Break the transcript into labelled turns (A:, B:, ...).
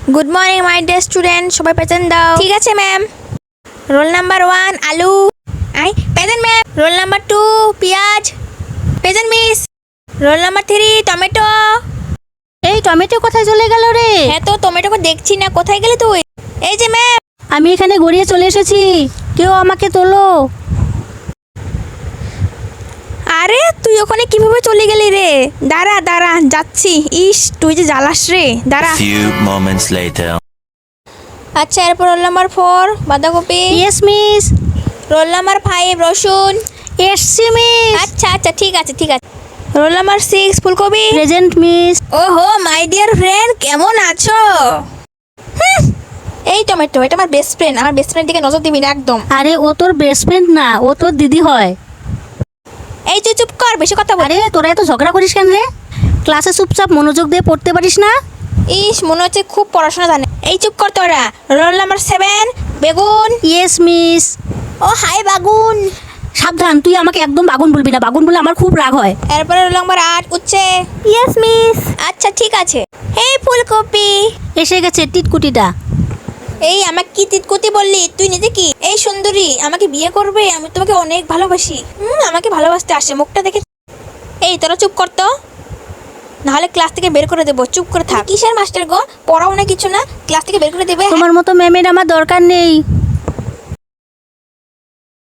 A: Good morning my dear student, সবাই present দাও। ঠিক আছে ম্যাম। রোল নাম্বার 1 আলু। Present ma'am. রোল নাম্বার 2 পেঁয়াজ। Present miss. Roll number 3 tomato.
B: এই টমেটো কোথায় চলে গেল রে?
A: হ্যাঁ তো টমেটোকে দেখছি না, কোথায় গেলে তুই? এই যে ম্যাম।
B: আমি এখানে গড়িয়ে চলে এসেছি, কেউ আমাকে তোলো।
A: আরে তুই ওখানে কিভাবে চলে গেলি রে? দাঁড়া দাঁড়া, যাচ্ছি। ইস তুই যে জ্বালাস রে, দাঁড়া।
C: Few moments later.
A: আচ্ছা, এরপর রোল নাম্বার 4 বাঁধাকপি।
B: Yes miss.
A: রোল নাম্বার 5 রসুন।
B: এসছি মিস।
A: আচ্ছা আচ্ছা, ঠিক আছে ঠিক আছে। রোল নাম্বার 6 ফুলকপি।
B: Present miss.
A: ওহো মাই ডিয়ার ফ্রেন্ড, কেমন আছো? এই টমেটো, এটা আমার বেস্ট ফ্রেন্ড। আমার বেস্ট ফ্রেন্ড দিকে নজর দিবি না একদম।
B: আরে ও তোর বেস্ট ফ্রেন্ড না, ও তোর দিদি হয়।
A: এই তুই চুপ কর, বেশি কথা বল।
B: আরে তোরা এত ঝগড়া করিস কেন রে? ক্লাসে চুপচাপ মনোযোগ দিয়ে পড়তে পারিস না?
A: ইস মনে হচ্ছে খুব পড়াশোনা জানে। এই চুপ কর তোরা। রোল নাম্বার 7 বেগুন।
B: Yes miss.
A: ও হাই বাগুন।
B: সাবধান, তুই আমাকে একদম বাগুন বলবি না, বাগুন বলে আমার খুব রাগ হয়।
A: এরপরে রোল নাম্বার 8 উচ্ছে। Yes miss. আচ্ছা ঠিক আছে। এই ফুলকপি।
B: এসে গেছে টিটকুটিটা।
A: এই আমাকে কি তিতকুতি বললি? তুই নিজে কি এই সুন্দরী আমাকে বিয়ে করবে? আমি তোমাকে অনেক ভালোবাসি। আমাকে ভালোবাসতে আসে, মুখটা দেখে। এই তোরা চুপ কর তো, নাহলে ক্লাস থেকে বের করে দেবো। চুপ করে থাক। কিসের মাস্টার গো? পড়াও না কিছু না, ক্লাস থেকে বের করে দেবে।
B: তোমার মতো ম্যামের আমার দরকার নেই।